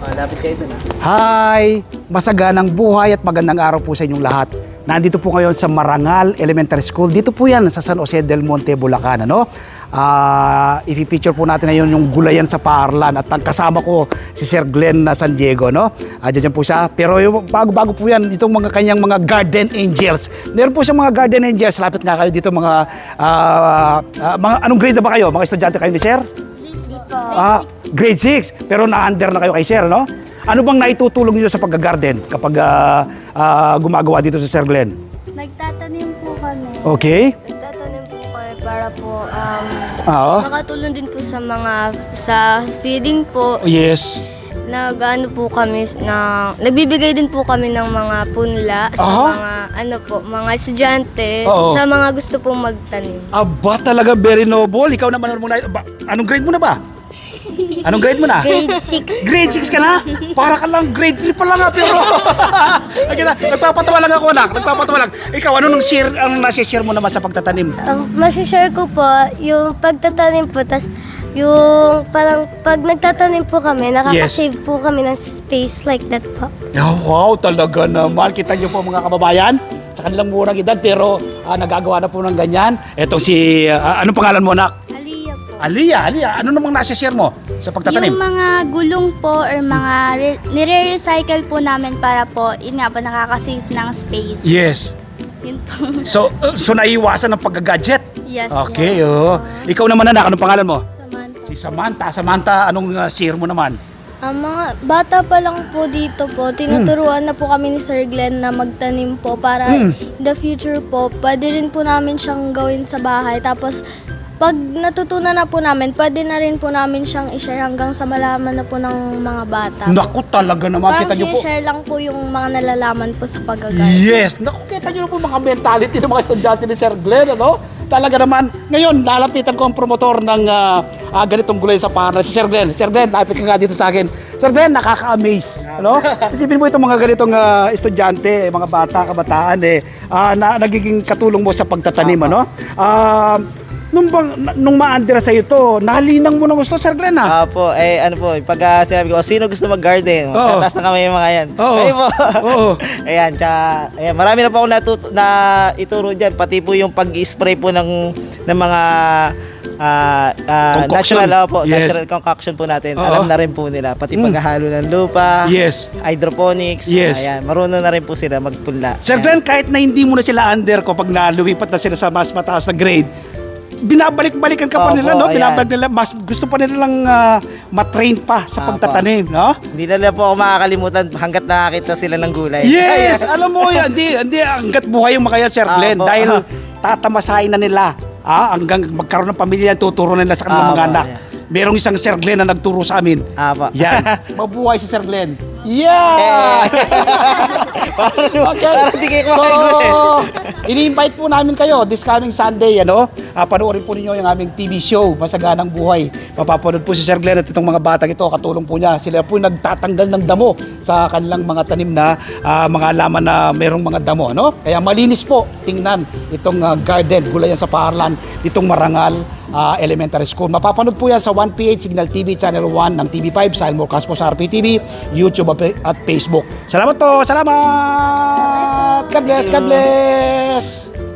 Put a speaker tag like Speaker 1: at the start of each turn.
Speaker 1: Lapit kayo dun.
Speaker 2: Hi! Masaganang buhay at magandang araw po sa inyong lahat. Nandito po ngayon sa Marangal Elementary School. Dito po yan sa San Jose del Monte, Bulacan. Ano? I-feature po natin ngayon yung gulayan sa paaralan at ang kasama ko si Sir Glenn na San Diego. No? Diyan po siya. Pero bago-bago po yan, itong mga kanyang mga garden angels. Meron po siyang mga garden angels. Lapit nga kayo dito mga anong grade na ba kayo? Mga estudyante kayo ni Sir? Grade 6. Pero na-under na kayo kay Sir, no? Ano bang naitutulong niyo sa pag-garden kapag gumagawa dito sa Sir Glenn?
Speaker 3: Nagtatanim po kami.
Speaker 2: Okay.
Speaker 3: Nagtatanim po kami para po
Speaker 2: Oo.
Speaker 3: makatulong din po sa feeding po.
Speaker 2: Yes.
Speaker 3: Nag-ano po kami nagbibigay din po kami ng mga punla sa mga estudyante,
Speaker 2: Oo.
Speaker 3: sa mga gusto pong magtanim.
Speaker 2: Aba, talaga very noble. Ikaw naman, anong grade mo na ba? Anong grade mo na?
Speaker 3: Grade 6.
Speaker 2: Grade 6 ka na? Para ka lang grade 3 pa lang ha, pero nagpapatawa lang ako, anak. Nagpapatawa lang. Ikaw, ano ang nasi-share mo naman sa pagtatanim?
Speaker 3: Masishare ko po yung pagtatanim po, tas yung parang pag nagtatanim po kami, nakakasave po kami ng space like that po.
Speaker 2: Oh, wow, talaga naman. Kita niyo po mga kababayan, sa kanilang murang edad, pero nagagawa na po ng ganyan. Etong si, anong pangalan mo, anak?
Speaker 3: Aliyah po.
Speaker 2: Aliyah, ano namang nasi-share mo sa pagtatanim?
Speaker 4: Yung mga gulong po or mga nire-recycle po namin para po, yun nga po, nakaka-save ng space.
Speaker 2: Yes.
Speaker 4: Yun po.
Speaker 2: So naiiwasan ng pagga-gadget?
Speaker 4: Yes.
Speaker 2: Okay, oh. Ikaw naman, anak, anong pangalan mo?
Speaker 3: Samantha.
Speaker 2: Si Samantha. Samantha, anong share mo naman?
Speaker 3: Ang mga bata pa lang po dito po, tinuturuan na po kami ni Sir Glenn na magtanim po para in the future po, pwede rin po namin siyang gawin sa bahay. Tapos, pag natutunan na po namin, pwede na rin po namin siyang i-share hanggang sa malaman na po ng mga bata.
Speaker 2: Naku, talaga naman.
Speaker 3: Parang
Speaker 2: Kita niyo po.
Speaker 3: share lang po yung mga nalalaman po sa pag-agal.
Speaker 2: Yes. Naku, kita niyo po mga mentality ng mga estudyante ni Sir Glenn, ano? Talaga naman. Ngayon, lalapitan ko ang promotor ng ganitong gulay sa paaralan, si Sir Glenn. Sir Glenn, lapit ka nga dito sa akin. Sir Glenn, nakaka-amaze. Ano? Isipin mo itong mga ganitong estudyante, mga bata, kabataan, na nagiging katulong mo sa pagtatanim, ano? Nung ma-under sa'yo to, nalinang mo ng gusto, Sir Glenn, ha?
Speaker 1: Po, ano po, pag sinabi ko, sino gusto mag-garden? Tataas na kami yung mga yan.
Speaker 2: Oo.
Speaker 1: Kayo po.
Speaker 2: Oo.
Speaker 1: Ayan, ayan, marami na po ako na ituro dyan, pati po yung pag-spray po ng mga
Speaker 2: Concoction.
Speaker 1: natural concoction po natin.
Speaker 2: Oo.
Speaker 1: Alam na rin po nila, pati paghahalo ng lupa,
Speaker 2: Yes.
Speaker 1: hydroponics,
Speaker 2: Yes.
Speaker 1: ayan, marunong na rin po sila magpunla.
Speaker 2: Sir Glenn, kahit na hindi mo na sila under ko pag nalumipat na sila sa mas mataas na grade, binabalik-balikan ka pa
Speaker 1: Opo,
Speaker 2: nila, no?
Speaker 1: ayan.
Speaker 2: Binabalik nila, mas gusto pa nilang matrain pa sa
Speaker 1: Opo.
Speaker 2: pagtatanim, no?
Speaker 1: Hindi nila po ako makakalimutan hanggat nakakita sila ng gulay.
Speaker 2: Yes! Alam mo yan, hindi hanggat buhay yung makaya, Sir Glenn,
Speaker 1: Opo.
Speaker 2: dahil tatamasahin na nila, hanggang magkaroon ng pamilya, tuturo nila sa kanilang mga
Speaker 1: Opo,
Speaker 2: anak.
Speaker 1: yeah.
Speaker 2: Merong isang Sir Glenn na nagturo sa amin.
Speaker 1: Apo.
Speaker 2: Yan. Mabuhay si Sir Glenn. Yeah! Okay.
Speaker 1: Parang di kayo kumakain gulay.
Speaker 2: Ini-invite po namin kayo this coming Sunday, ano? Panoorin po ninyo yung aming TV show, Masaganang Buhay. Mapapanood po si Sir Glenn at itong mga batang ito, katulong po niya. Sila po nagtatanggal ng damo sa kanilang mga tanim na mga halaman na merong mga damo, ano? Kaya malinis po tingnan itong garden, gulayan sa paaralan, itong Marangal Elementary School. Mapapanood po yan sa 1PH Signal TV Channel 1 ng TV5, Silmore Caspo sa RPTV, YouTube at Facebook. Salamat po! Salamat! God bless! God bless!